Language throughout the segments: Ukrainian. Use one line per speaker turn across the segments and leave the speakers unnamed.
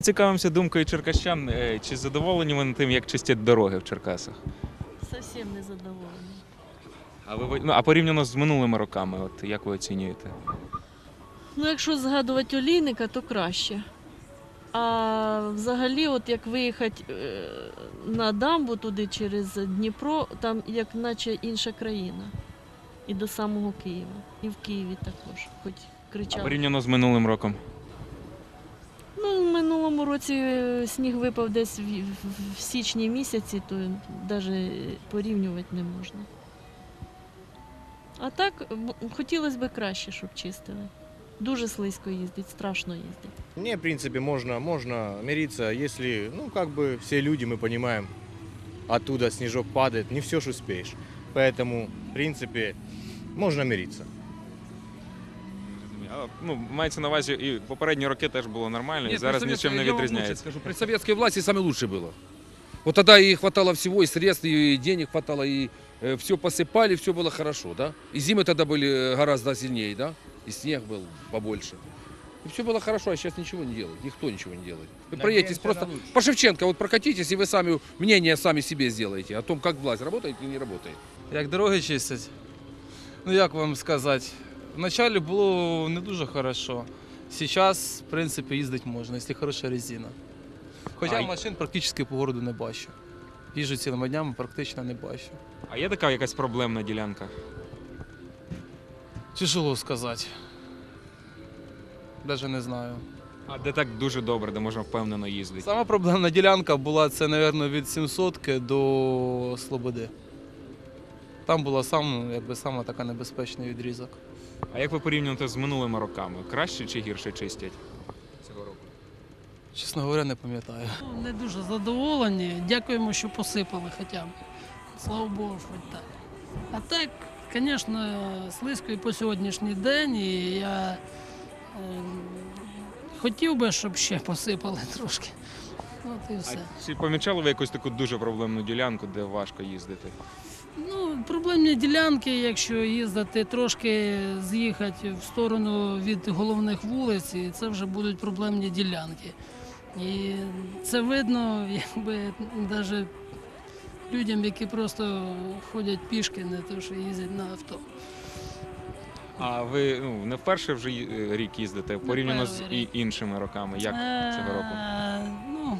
Цікавимося думкою черкащан. Чи задоволені вони тим, як чистять дороги в Черкасах?
Зовсім не задоволені.
А порівняно з минулими роками, от як ви оцінюєте?
Ну, якщо згадувати Олійника, то краще. А взагалі, от як виїхати на дамбу туди через Дніпро, там як наче інша країна. І до самого Києва. І в Києві також, хоч
А
кричали.
порівняно з минулим роком?
Ну, в минулому році сніг випав десь в січні місяці, то навіть порівнювати не можна. А так, хотілося б краще, щоб чистили. Дуже слизько їздить, страшно їздить.
Мне, в принципе, можно мириться, если, ну, как бы все люди, мы понимаем, оттуда снежок падает, не все ж успеешь. Поэтому, в принципе, можно мириться.
Ну, мається на увазі, і попередні роки теж було нормально, і зараз нічим не
я вам лучше
відрізняється.
скажу, при советской власти самое лучшее было. Вот тогда и хватало всего, и средств, и денег хватало, и все посыпали, все было хорошо, да? И зимы тогда были гораздо сильнее, да? И снег был побольше. И все было хорошо, а сейчас ничего не делают, никто ничего не делает. Вы проедетесь просто по Шевченко, вот прокатитесь, и вы сами мнение сами себе сделаете о том, как власть работает или не работает.
Як дороги чистять? Ну як вам сказати? Вначале було не дуже хорошо. Зараз, в принципі, їздити можна, якщо хороша резина. Хоча машин практично по городу не бачу. Їжджу цілими днями, практично не бачу.
А є така якась проблемна ділянка?
Тяжело сказати. Навіть не знаю.
А де так дуже добре, де можна впевнено їздити?
Сама проблемна ділянка була, це, мабуть, від 700-ки до Слободи. Там була сама така небезпечний відрізок.
А як ви порівнюєте з минулими роками? Краще чи гірше чистять цього року?
Чесно говоря, не пам'ятаю.
Не дуже задоволені. Дякуємо, що посипали хоча б. Слава Богу, хоч так. А так, звісно, слизько і по сьогоднішній день. І я хотів би, щоб ще посипали трошки. От і все.
А чи помічали ви якусь таку дуже проблемну ділянку, де важко їздити?
Ну, проблемні ділянки, якщо їздити трошки, з'їхати в сторону від головних вулиць, і це вже будуть проблемні ділянки. І це видно, якби навіть людям, які просто ходять пішки, не те, що їздять на авто.
А ви не вперше вже рік їздите, порівняно з
перший рік.
іншими роками? Як цього року?
Ну,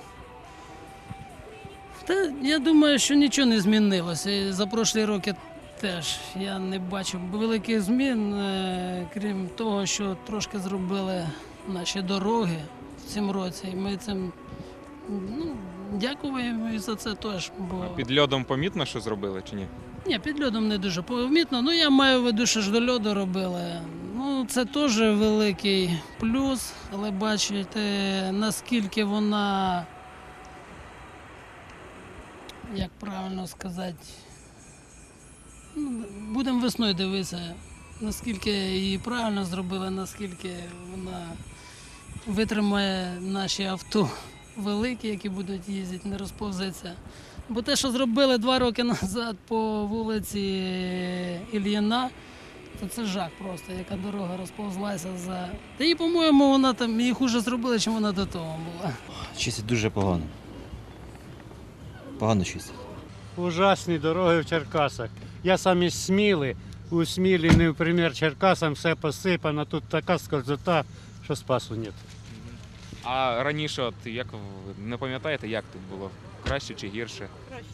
я думаю, що нічого не змінилося. І за прошлі роки теж я не бачив великих змін, крім того, що трошки зробили наші дороги в цьому році. І ми цим дякуємо і за це теж. Бо...
А під льодом помітно, що зробили чи ні?
Ні, під льодом не дуже помітно. Ну, я маю в виду, що ж до льоду робили. Ну, це теж великий плюс, але бачите, наскільки вона, як правильно сказати, будемо весною дивитися, наскільки її правильно зробили, наскільки вона витримає наші авто великі, які будуть їздити, не розповзеться. Бо те, що зробили 2 роки назад по вулиці Ільїна, то це жах просто, яка дорога розповзлася за... Та і, по-моєму, вона там її хуже зробила, ніж вона до того була.
Чистить дуже погано. Погано чистить.
Ужасні дороги в Черкасах. Я сам із Сміли. У Смілі, не в примір Черкасам, все посипано. Тут така скользота, що спасу нет.
А раніше, от як не пам'ятаєте, як тут було? Краще чи гірше?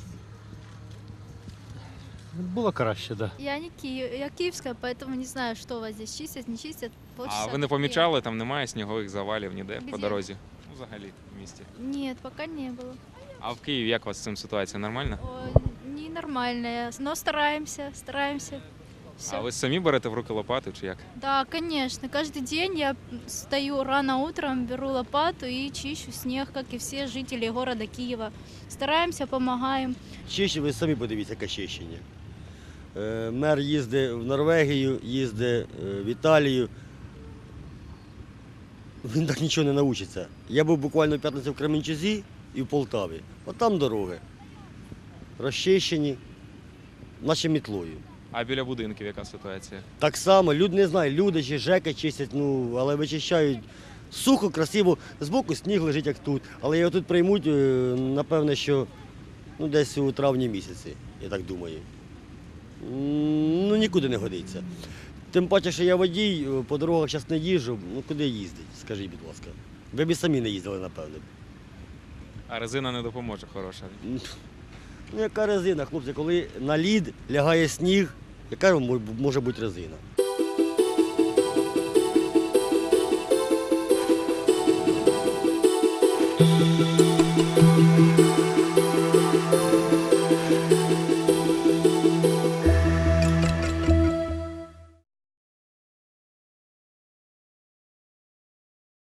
Було краще, так. Да.
Я не Киев, я киевская, поэтому не знаю, что у вас здесь чистят, не чистят.
А ви не помічали, там немає снігових завалів ніде по
Где?
дорозі? Ну, взагалі, в місті.
Нет, пока не было.
А в Києві як у вас з цим ситуація? Нормально?
Ненормальная, но стараемся. Всё.
А ви самі берете в руки лопату чи як?
Да, конечно. Каждый день я встаю рано утром, беру лопату и чищу снег, как и все жители города Киева. Стараемся, помогаем.
Чище, ви самі подивіться, яке чищення. Мер їздить в Норвегію, їздить в Італію. Він так нічого не навчиться. Я був буквально в п'ятницю в Кременчузі і в Полтаві. От там дороги. Розчищені, наче мітлою.
А біля будинків яка ситуація?
Так само, люди не знають, люди чи ЖЕКи чистять, але вичищають Сухо, красиво, збоку сніг лежить, як тут. Але його тут приймуть, напевне, що десь у травні місяці, я так думаю. Нікуди не годиться. Тим паче, що я водій, по дорогах зараз не їжджу, куди їздить, скажіть, будь ласка. Ви б і самі не їздили, напевне.
А резина не допоможе хороша.
Яка резина, хлопці, коли на лід лягає сніг, яка може бути резина?